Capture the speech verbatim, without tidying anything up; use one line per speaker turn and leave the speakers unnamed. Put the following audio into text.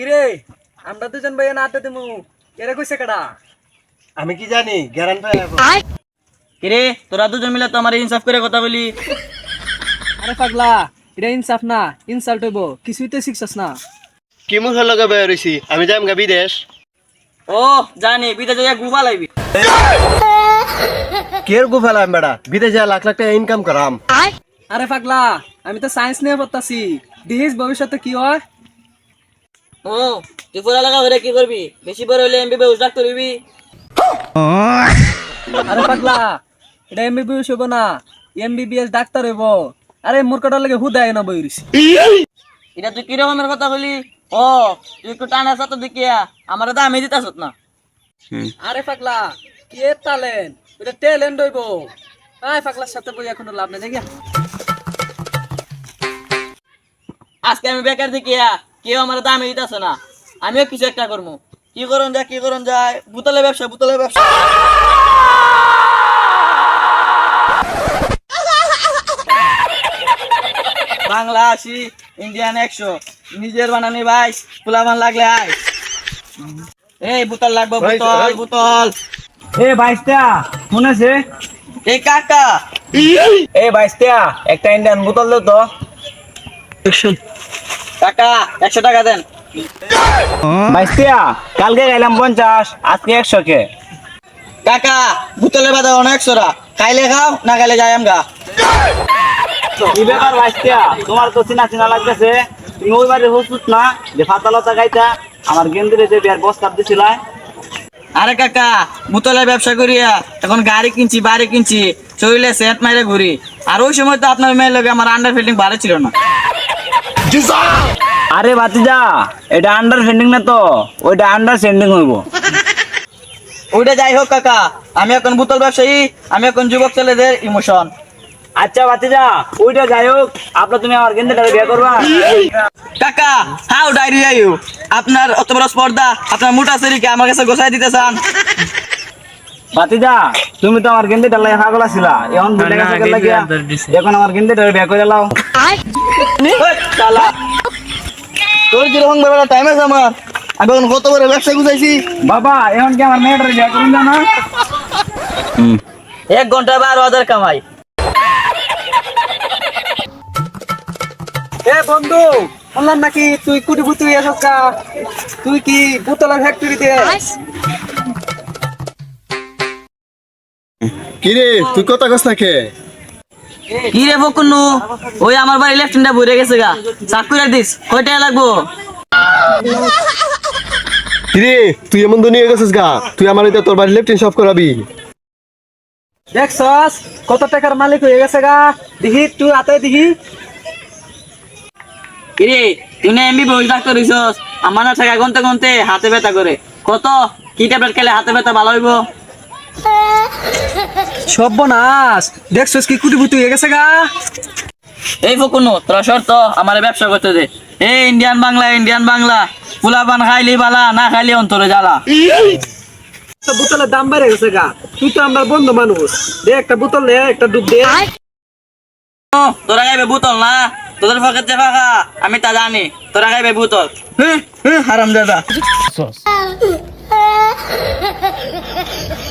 কিরে আমরা দুজন ভাই না আড্ডা দিমু এরা কইছে কেডা?
আমি কি জানি গ্যারান্টি
কিরে তোরা দুজন মিলে তো আমার ইনসাফ করে কথা বলি।
আরে পাগলা এটা ইনসাফ না ইনসাল্ট হইব কিছুই তো শিখছস না।
কি মুখে লগে বের হইছি আমি যাইম গা বিদেশ।
ও জানি বিদেশে যা গুবা লাইবি।
কের গো ফেলাম বেড়া বিদেশে যা লাখ লাখ টাকা ইনকাম করাম।
আরে পাগলা আমি তো সায়েন্স নিয়ে পড়তাছি দেখিস ভবিষ্যতে কি হয়।
ও তুই পড়া লাগা হইরে কি করবি? বেশি বড় হইলে এমবিবিএস ডাক্তার হইবি।
আরে পাগলা এটা এমবিবিএস হইব না এমবিবিএস ডাক্তার হইব। আরে মূর্খটার লাগে হুদায় না বইরিস।
এটা তুই কি রকমের কথা বলি? ও তুই একটু টানা সাথে দেখিয়া আমার তো আমি দিতাছত না।
আরে পাগলা কে ট্যালেন্ট এটা ট্যালেন্ট হইব। আয় পাগলার সাথে বই এখন লাভ নাই দেখিয়া।
আজকে আমি বেকার দেখিয়া কেউ আমার দামে দিতেছে না, আমিও কিছু একটা করবো। কি করুন যায় কি করুন যায় বুতলের ব্যবসা বুতলের ব্যবসা। বাংলা আশি ইন্ডিয়ান একশো নিজের বানানি ভাই ফুলাবান লাগলে আয়। এই বোতল লাগবে বোতল বোতল।
এ বাইশটা শুনেছে
এই কাকা
এ বাইশটা একটা ইন্ডিয়ান বোতল দাও তো।
কাকা একশো টাকা দেন।
বাইশটা কালকে গেলাম পঞ্চাশ আজকে একশো কে।
কাকা বোতলের বাদে অনেক সরা খাইলে খাও না খাইলে যাই আমগা।
কি ব্যাপার বাইশটা তোমার তো চিনা চিনা লাগতেছে তুমি ওই বাড়ি হসুত না যে ফাতালতা গাইতা আমার গেন্দিরে যে বিয়ার বস্তাব দিছিলা।
আরে কাকা বোতলের ব্যবসা করিয়া এখন গাড়ি কিনছি বাড়ি কিনছি শরীরে সেট মাইরে ঘুরি। আর ওই সময় তো আপনার মেয়ের লগে আমার আন্ডার ফিল্ডিং ভালো ছিল না।
আরে বাতিজা এটা আন্ডার ফেন্ডিং না তো ওইটা আন্ডার সেন্ডিং হইব।
ওইটা যাই হোক কাকা আমি এখন বোতল ব্যবসায়ী, আমি এখন যুবক ছেলেদের ইমোশন।
আচ্ছা বাতিজা ওইটা যাই হোক আপনার তুমি আমার গেন্দিটারে বিয়ে করবা।
কাকা হাউ ডাইরি ইউ আপনার অত বড় স্পর্ধা আপনার মোটা শরীরকে আমার কাছে গোছাই দিতে চান?
বাতিজা তুমি তো আমার গেন্দিটা লাগে পাগল আছিলা এখন ভুলে গেছো কেন লাগিয়া এখন আমার গেন্দিটারে বিয়ে করে লাও।
শালা তোর যেরকম ব্যাপার টাইম আছে আমার আমি এখন কত বড় ব্যবসা গুছাইছি।
বাবা এখন কি আমার মেয়েটারে বিয়ে করুন না?
এক ঘন্টা বারো হাজার কামাই।
এ বন্ধু বললাম নাকি তুই কুটি বুতি এসব কা তুই কি বোতলের ফ্যাক্টরিতে?
কি রে তুই কথা কস না কে?
কি রে বকুন্নু ওই আমার বাড়ি লেফটেন্ডা ভরে গেছে গা চাকুরা দিস কয় টাকা লাগবো?
কি রে তুই এমন দুনিয়া গেছিস গা তুই আমার এটা তোর বাড়ি লেফটিন সব করাবি।
দেখছস কত টাকার মালিক হয়ে গেছে গা দেখি তুই হাতে দেখি।
কিরে তুই না এমবি বই ডাক্তার হইছস আমার না টাকা গুনতে গুনতে হাতে ব্যথা করে। কত কি ট্যাবলেট খেলে হাতে ব্যথা ভালো হইব?
সর্বনাশ দেখছস কি কুটি বুতি হয়ে গেছে গা।
এই ফকুনু তোরা শর্ত আমার ব্যবসা করতে দে। এই ইন্ডিয়ান বাংলা ইন্ডিয়ান বাংলা ফুলাপান খাইলি বালা না খাইলি অন্তরে জ্বালা।
বোতলের দাম বেড়ে গেছে গা তুই তো আমার বন্ধু মানুষ দে একটা বোতল দে একটা ডুব দে।
ও, তোরা খাইবে বোতল না তোদের পকেট যে ফাঁকা আমি তা জানি তোরা খাইবে বোতল। হ্যাঁ হ্যাঁ হারাম দাদা।